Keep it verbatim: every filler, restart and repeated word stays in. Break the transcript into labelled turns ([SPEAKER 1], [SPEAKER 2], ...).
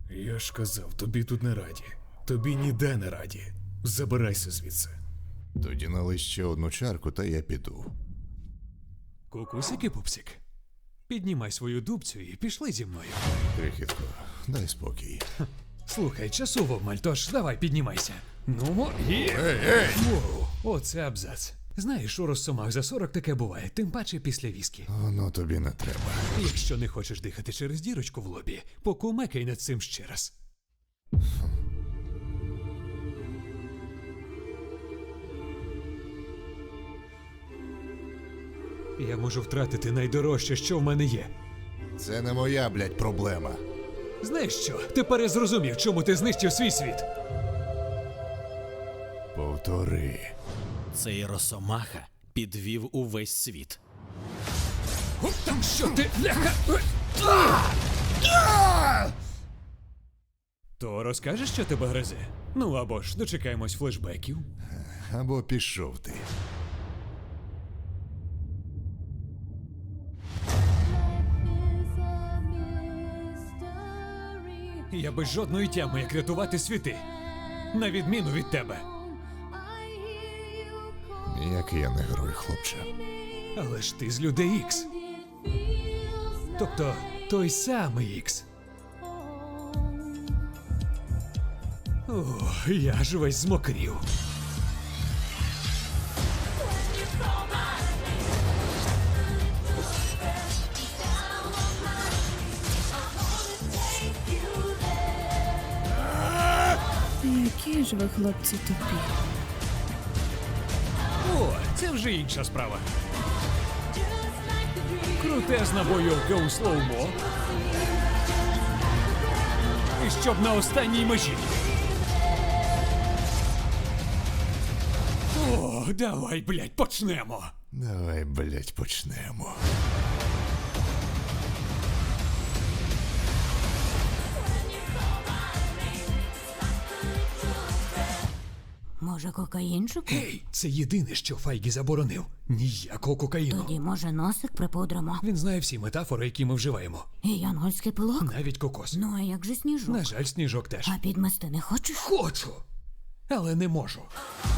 [SPEAKER 1] Я ж казав, тобі тут не раді. Тобі ніде не раді. Забирайся звідси.
[SPEAKER 2] Тоді налий ще одну чарку, та я піду.
[SPEAKER 3] Кукусики, пупсик. Піднімай свою дубцю і пішли зі мною.
[SPEAKER 2] Крихітко, дай спокій.
[SPEAKER 3] Слухай, часу в обмаль, тож давай піднімайся. Ну, і...
[SPEAKER 2] Ей, ей!
[SPEAKER 3] Воу, оце абзац. Знаєш, у розсомах за сорок таке буває, тим паче після віскі.
[SPEAKER 2] Воно тобі не треба.
[SPEAKER 3] Якщо не хочеш дихати через дірочку в лобі, покумекай над цим ще раз. Я можу втратити найдорожче, що в мене є.
[SPEAKER 2] Це не моя, блядь, проблема.
[SPEAKER 3] Знаєш що? Тепер я зрозумів, чому ти знищив свій світ.
[SPEAKER 2] Повтори.
[SPEAKER 4] Цей росомаха підвів увесь світ.
[SPEAKER 3] О, там що ти, ляха? А! А! То розкажеш, що тебе гризе? Ну або ж дочекаємось флешбеків.
[SPEAKER 2] Або пішов ти.
[SPEAKER 3] Я без жодної тями, як рятувати світи. На відміну від тебе.
[SPEAKER 2] Ніякий я не герой, хлопче.
[SPEAKER 3] Але ж ти з людей Ікс. Тобто, той самий Ікс. О, я ж весь змокрів.
[SPEAKER 5] Які ж ви, хлопці, тупі.
[SPEAKER 3] О, це вже інша справа. Крутезна бойовка у слоумо. І щоб на останній межі. О, давай, блядь, почнемо.
[SPEAKER 2] Давай, блядь, почнемо.
[SPEAKER 6] Може, кокаїнчику?
[SPEAKER 3] Гей, це єдине, що Файгі заборонив. Ніякого кокаїну.
[SPEAKER 6] Тоді, може, носик припудримо?
[SPEAKER 3] Він знає всі метафори, які ми вживаємо.
[SPEAKER 6] І янгольський пилок?
[SPEAKER 3] Навіть кокос.
[SPEAKER 6] Ну, а як же сніжок?
[SPEAKER 3] На жаль, сніжок теж.
[SPEAKER 6] А підмести не хочеш?
[SPEAKER 3] Хочу, але не можу.